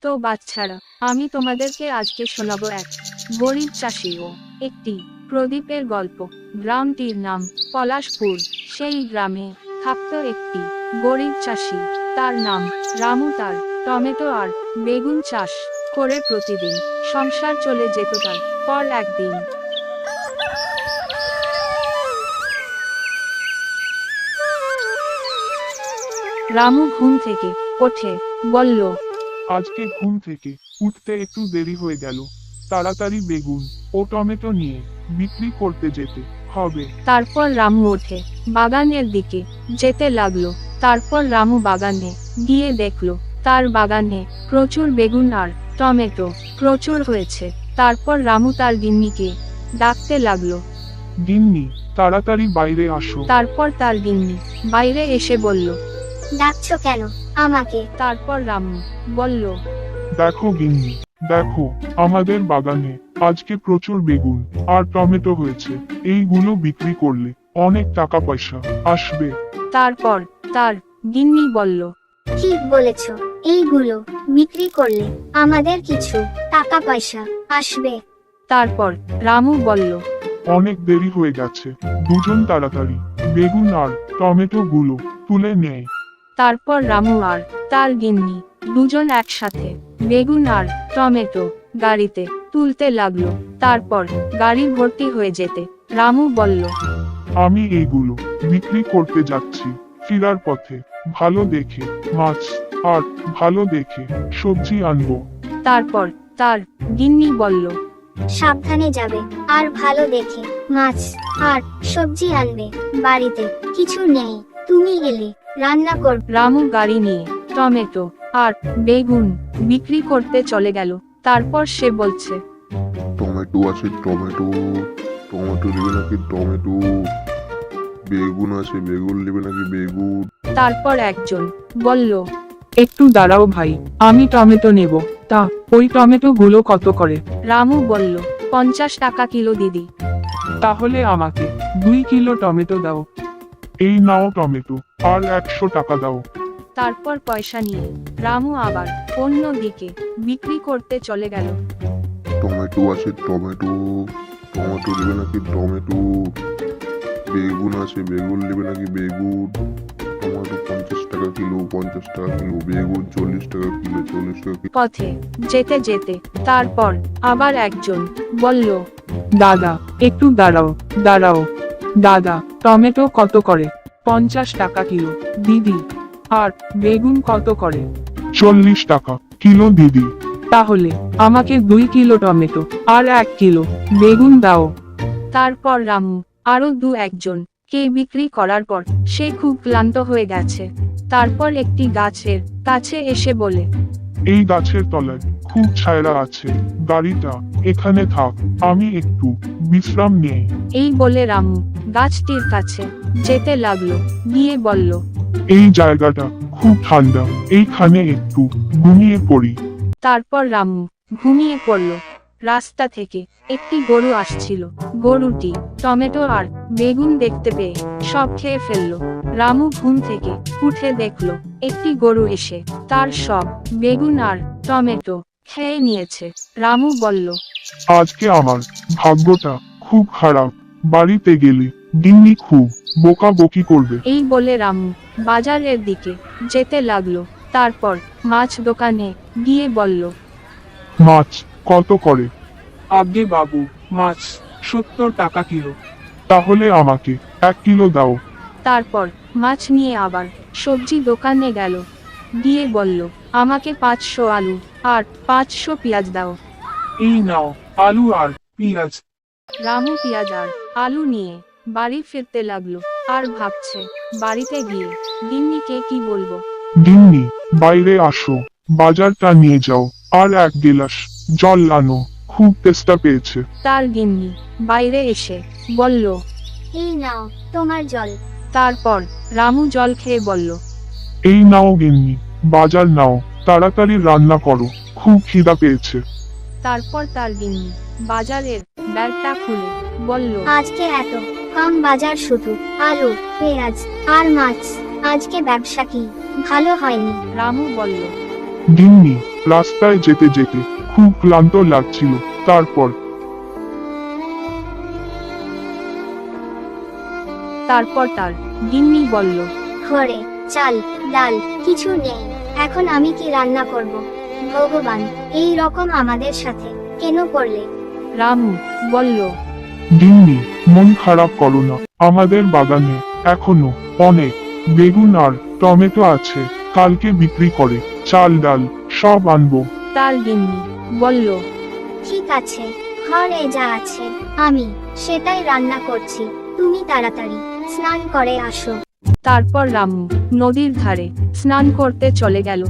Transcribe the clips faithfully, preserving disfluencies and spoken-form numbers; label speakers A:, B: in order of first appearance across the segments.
A: তো বাচ্চারা, আমি তোমাদেরকে আজকে শোনাবো এক গরিব চাষি ও একটি প্রদীপের গল্প। গ্রামটির নাম পলাশপুর। সেই গ্রামে থাকতো একটি গরিব চাষি, তার নাম রামু। তার টমেটো আর বেগুন চাষ করে প্রতিদিন সংসার চলে যেত। তার পর একদিন রামু ঘুম থেকে ওঠে, বলল,
B: আজকে ঘুম থেকে উঠতে একটু দেরি হয়ে গেল। তাড়াতাড়ি বেগুন ও টমেটো নিয়ে বিক্রি করতে যেতে হবে।
A: তারপর রামু ওঠে বাগানের দিকে যেতে লাগলো। তারপর রামু বাগানে গিয়ে দেখলো তার বাগানে প্রচুর বেগুন আর টমেটো প্রচুর হয়েছে। তারপর রামু তার গিন্নিকে ডাকতে লাগলো।
B: গিন্নি, তাড়াতাড়ি বাইরে আসো।
A: তারপর তার গিন্নি বাইরে এসে বলল।
C: ডাকছো কেন আমাকে?
A: তারপর রামু বলল,
B: দেখো গিন্নি, দেখো আমাদের বাগানে আজকে প্রচুর বেগুন আর টমেটো হয়েছে। এইগুলো বিক্রি করলে অনেক টাকা পয়সা আসবে।
A: তারপর তার গিন্নি বলল,
C: ঠিক বলেছ, এইগুলো বিক্রি করলে আমাদের কিছু টাকা পয়সা আসবে।
A: তারপর রামু বলল,
B: অনেক দেরি হয়ে গেছে, দুজন তাড়াতাড়ি বেগুন আর টমেটো গুলো তুলে নেয়।
A: তারপর রামু আর তার গিন্নি দুজন একসাথে বেগুন আর টমেটো গাড়িতে তুলতে লাগলো। তারপর গাড়ি ভর্তি হয়ে যেতে রামু বলল,
B: আমি এইগুলো বিক্রি করতে যাচ্ছি। ফিরার পথে ভালো দেখে মাছ আর ভালো দেখে সবজি আনবো।
A: তারপর তার গিন্নি বলল,
C: সাবধানে যাবে আর ভালো দেখে মাছ আর সবজি আনবে। বাড়িতে কিছু নেই, তুমি এলে রান্না করবে।
A: রামু গাড়ি নিয়ে টমেটো আর বেগুন বিক্রি করতে চলে গেল। তারপর সে বলছে,
D: টমেটো আছে, টমেটো টমেটো নেবে নাকি টমেটো? বেগুন আছে, বেগুন নেবে নাকি বেগুন?
A: তারপর একজন বলল,
E: একটু দাঁড়াও ভাই, আমি টমেটো নেব। তা ওই টমেটো গুলো কত করে?
A: রামু বলল, পঞ্চাশ টাকা কিলো দিদি।
E: তাহলে আমাকে দুই কিলো টমেটো দাও।
B: এই নাও টমেটো আর একশো টাকা দাও।
A: তারপর পয়সা নিয়ে রামু আবার অন্য দিকে বিক্রি করতে চলে গেল।
D: টমেটো আছে, টমেটো টমেটো নেবে নাকি টমেটো? বেগুন আছে, বেগুন নেবে নাকি বেগুন? টমেটো পঞ্চাশ টাকা কিলো, পঞ্চাশ টাকা কিলো। বেগুন চল্লিশ টাকা কিলো, চল্লিশ টাকা কিলো।
A: পথে যেতে যেতে তারপর আবার একজন বলল,
E: দাদা একটু দাঁড়াও, দাঁড়াও দাদা, টমেটো কত করে? পঞ্চাশ টাকা কিলো দিদি। আর বেগুন কত করে?
B: চল্লিশ টাকা কিলো দিদি।
E: তাহলে আমাকে দুই কিলো টমেটো আর এক কিলো বেগুন দাও।
A: তারপর রামু আরো দু একজন কে বিক্রি করার পর সে খুব ক্লান্ত হয়ে গেছে। তারপর একটি গাছের কাছে এসে বলে,
B: এই গাছের তলায় খুব ছায়রা আছে, গাড়িটা এখানে থাক, আমি একটু বিশ্রাম নেই।
A: এই বলে রামু গাছটির কাছে যেতে লাগলো, গিয়ে বলল,
B: এই জায়গাটা খুব ঠান্ডা, এইখানে একটু ঘুমিয়ে পড়ি।
A: তারপর রামু ঘুমিয়ে পড়ল। রাস্তা থেকে একটি গরু আসছিল। গরুটি টমেটো আর বেগুন দেখতে পেয়ে সব খেয়ে ফেললো। রামু ঘুম থেকে উঠে দেখলো একটি গরু এসে তার সব বেগুন আর টমেটো খেয়ে নিয়েছে। রামু বলল,
B: আজকে আমার ভাগ্যটা খুব খারাপ, বাড়িতে গেলে গিন্নি খুব বকাবকি করবে।
A: এই বলে রামু বাজারের দিকে যেতে লাগলো। তারপর মাছ দোকানে গিয়ে বলল,
B: মাছ কত করে?
E: আগে বাবু, মাছ সত্তর টাকা কিলো।
B: তাহলে আমাকে এক কিলো দাও।
A: তারপর মাছ নিয়ে আবার সবজি দোকানে গেল, গিয়ে বলল, আমাকে পাঁচশো আলু আর পাঁচশো পেঁয়াজ দাও।
E: এই নাও আলু আর পেঁয়াজ।
A: রামু পেঁয়াজ আর আলু নিয়ে বাড়ি ফিরতে লাগলো আর ভাবছে বাড়িতে গিয়ে গিন্নিকে কি বলবো।
B: গিন্নি, বাইরে আসো, বাজারটা নিয়ে যাও আর এক গিলাস জল আনো, খুব তেষ্টা পেয়েছে।
A: তার গিন্নি বাইরে এসে বলল।
C: এই নাও তোমার জল।
A: তারপর রামু জল খেয়ে বলল,
B: এই নাও গিন্নি, বাজার নাও, তাড়াতাড়ি রান্না করো, খুব খিদা পেয়েছে।
A: তারপর তার গিন্নি বাজারের ব্যাগটা খুলে বলল,
C: আজকে এত কম বাজার, শুধু আলু, পেঁয়াজ আর মাছ। আজকে ব্যবসা কি ভালো হয়নি?
A: রামু বলল,
B: গিন্নি, রাস্তায় যেতে যেতে খুব ক্লান্ত লাগছিল। তারপর
A: তারপর তার গিন্নি বলল,
C: ঘরে চাল ডাল কিছু নেই, এখন আমি কি রান্না করব? ভগবান, এই রকম আমাদের সাথে কেন করলে?
A: রামু বলল,
B: গিন্নি, মন খারাপ করো না, আমাদের বাগানে এখনো অনেক বেগুন আর টমেটো আছে, কালকে বিক্রি করে চাল ডাল সব আনবো।
A: তার গিন্নি বলল,
C: ঠিক আছে, ঘরে যা আছে আমি সেটাই রান্না করছি, তুমি তাড়াতাড়ি স্নান করে আসো।
A: তারপর রামু নদীর ধারে স্নান করতে চলে গেল।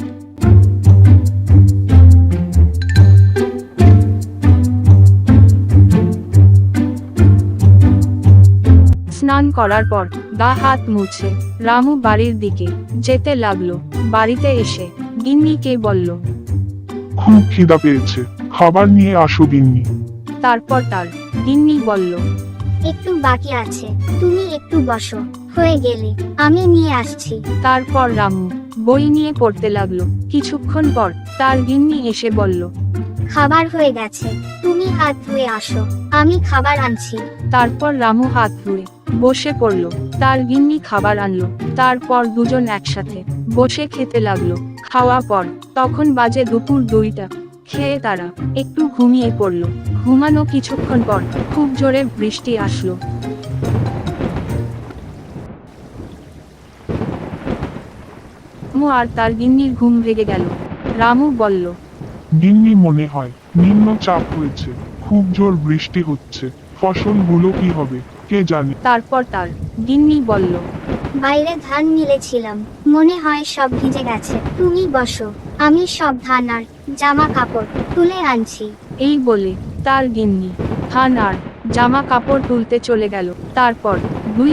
A: স্নান করার পর গা হাত মুছে রামু বাড়ির দিকে যেতে লাগলো। বাড়িতে এসে গিন্নিকে বলল,
B: খুব খিদা পেয়েছে, খাবার নিয়ে আসো গিন্নি।
A: তারপর তার গিন্নি বলল,
C: একটু বাকি আছে, তুমি একটু বসো, হয়ে গেলে আমি নিয়ে আসছি।
A: তারপর রামু বই নিয়ে পড়তে লাগলো। কিছুক্ষণ পর তার গিন্নি এসে বলল,
C: খাবার হয়ে গেছে, তুমি হাত ধুয়ে আসো, আমি খাবার আনছি।
A: তারপর রামু হাত ধুয়ে বসে পড়ল। তার গিন্নি খাবার আনলো। তারপর দুজন একসাথে বসে খেতে লাগলো। খাওয়া পর তখন বাজে দুপুর দুইটা। খেয়ে তারা একটু ঘুমিয়ে পড়ল। ঘুমানো কিছুক্ষণ পর খুব জোরে বৃষ্টি আসলো। রামু আর তার গিন্নির ঘুম ভেঙে গেল। রামু বলল,
B: গিন্নি, মনে হয় নিম্নচাপ হয়েছে, খুব জোর বৃষ্টি হচ্ছে, ফসলগুলো কি হবে কে জানে।
A: তারপর তার গিন্নি বলল,
C: বাইরে ধান মিলেছিলাম, মনে হয় সব ভিজে গেছে, তুমি বসো, আমি সব ধান আর জামা কাপড় তুলে আনছি।
A: এই বলে তার গিন্নি ধান আর জামা কাপড় তুলতে চলে গেল। তারপর দুই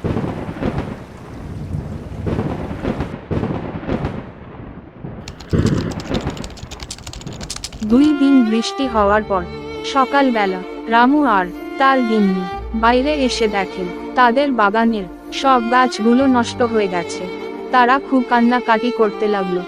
A: দুই দিন বৃষ্টি হওয়ার পর সকালবেলা রামু আর তার গিন্নি বাইরে এসে দেখেন তাদের বাগানের সব গাছগুলো নষ্ট হয়ে গেছে। তারা খুব কান্নাকাটি করতে লাগলো।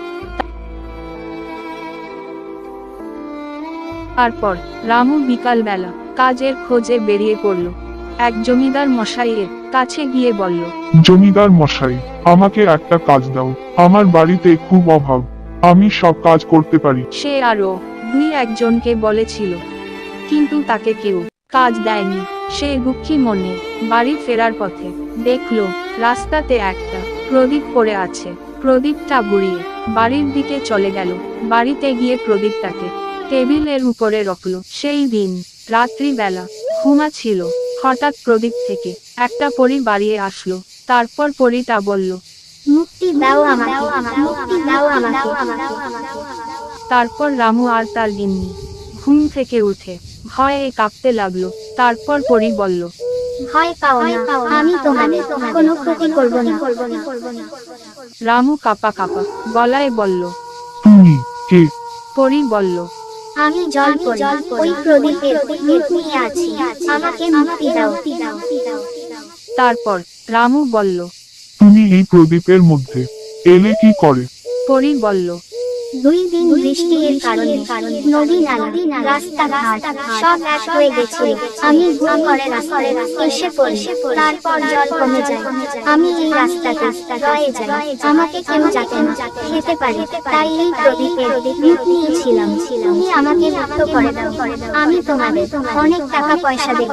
A: তারপর রামু বিকালবেলা কাজের খোঁজে বেরিয়ে পড়ল। এক জমিদার মশাইয়ের কাছে গিয়ে বলল,
B: জমিদার মশাই, আমাকে একটা কাজ দাও, আমার বাড়িতে খুব অভাব, আমি সব কাজ করতে পারি।
A: সে আরো দুই একজনকে বলেছিল, কিন্তু তাকে কেউ কাজ দেয়নি। সে দুঃখী মনে বাড়ি ফেরার পথে দেখলো রাস্তাতে একটা প্রদীপ পড়ে আছে। প্রদীপটা গুড়িয়ে বাড়ির দিকে চলে গেল। বাড়িতে গিয়ে প্রদীপটাকে টেবিলের উপরে রাখলো। সেই দিন রাত্রিবেলা ঘুমাচ্ছিল, হঠাৎ প্রদীপ থেকে একটা পরী বাড়িয়ে আসলো। তারপর পরীটা বলল,
C: মুক্তি দাও আমাকে, মুক্তি দাও আমাকে।
A: তারপর রামু আর তার গিন্নি ঘুম থেকে উঠে ভয়ে কাঁপতে লাগলো। তারপর পরী বলল,
C: ভয় পাও না, আমি তোমাদের কোনো ক্ষতি করব না।
A: রামু কাঁপা কাঁপা গলায় বলল,
B: তুমি কে?
A: পরী বলল,
C: আমি জল পড়ি, ওই প্রদীপের রূপ নিয়ে আছি, আমাকে মুক্তি দাও।
A: তারপর রামু বলল,
B: তুমি এই প্রদীপের মধ্যে এলে কি করে?
A: পরী বলল,
C: দুই দিন বৃষ্টির কারণে নদী নালা রাস্তাঘাট সব এক হয়ে গেছিল, আমি ভুল করে রাস্তায় এসে পড়ি, তারপর জল কমে যায়, আমি এই রাস্তাতে রয়ে যাই, আমাকে কেউ যাতে না খেতে পারে, তাই এই প্রদীপের রূপ নিয়েছিলাম, তুমি আমাকে মুক্ত করে দাও, আমি তোমাদের অনেক টাকা পয়সা দেব।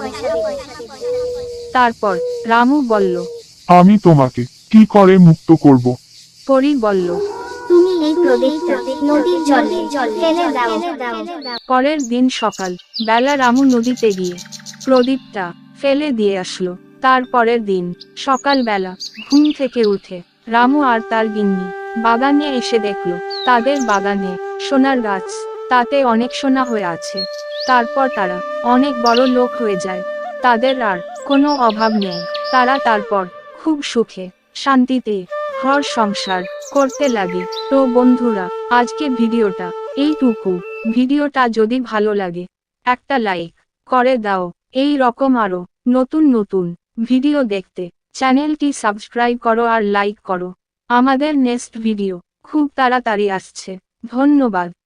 A: তারপর রামু বলল,
B: আমি তোমাকে কি করে মুক্ত করব?
A: পরী বলল,
C: তুমি এই প্রদীপটা নদীর জলে ফেলে দাও।
A: পরের দিন সকাল বেলা রামু নদীতে গিয়ে প্রদীপটা ফেলে দিয়ে আসলো। তারপরের দিন সকালবেলা ঘুম থেকে উঠে রামু আর তার গিন্নি বাগানে এসে দেখলো তাদের বাগানে সোনার গাছ, তাতে অনেক সোনা হয়ে আছে। তারপর তারা অনেক বড় লোক হয়ে যায়, তাদের আর কোনো অভাব নেই। তারা তারপর খুব সুখে শান্তিতে ঘর সংসার করতে লাগে। তো বন্ধুরা, আজকে ভিডিওটা এইটুকু। ভিডিওটা যদি ভালো লাগে একটা লাইক করে দাও। এই রকম আরো নতুন নতুন ভিডিও দেখতে চ্যানেলটি সাবস্ক্রাইব করো আর লাইক করো। আমাদের নেক্সট ভিডিও খুব তাড়াতাড়ি আসছে। ধন্যবাদ।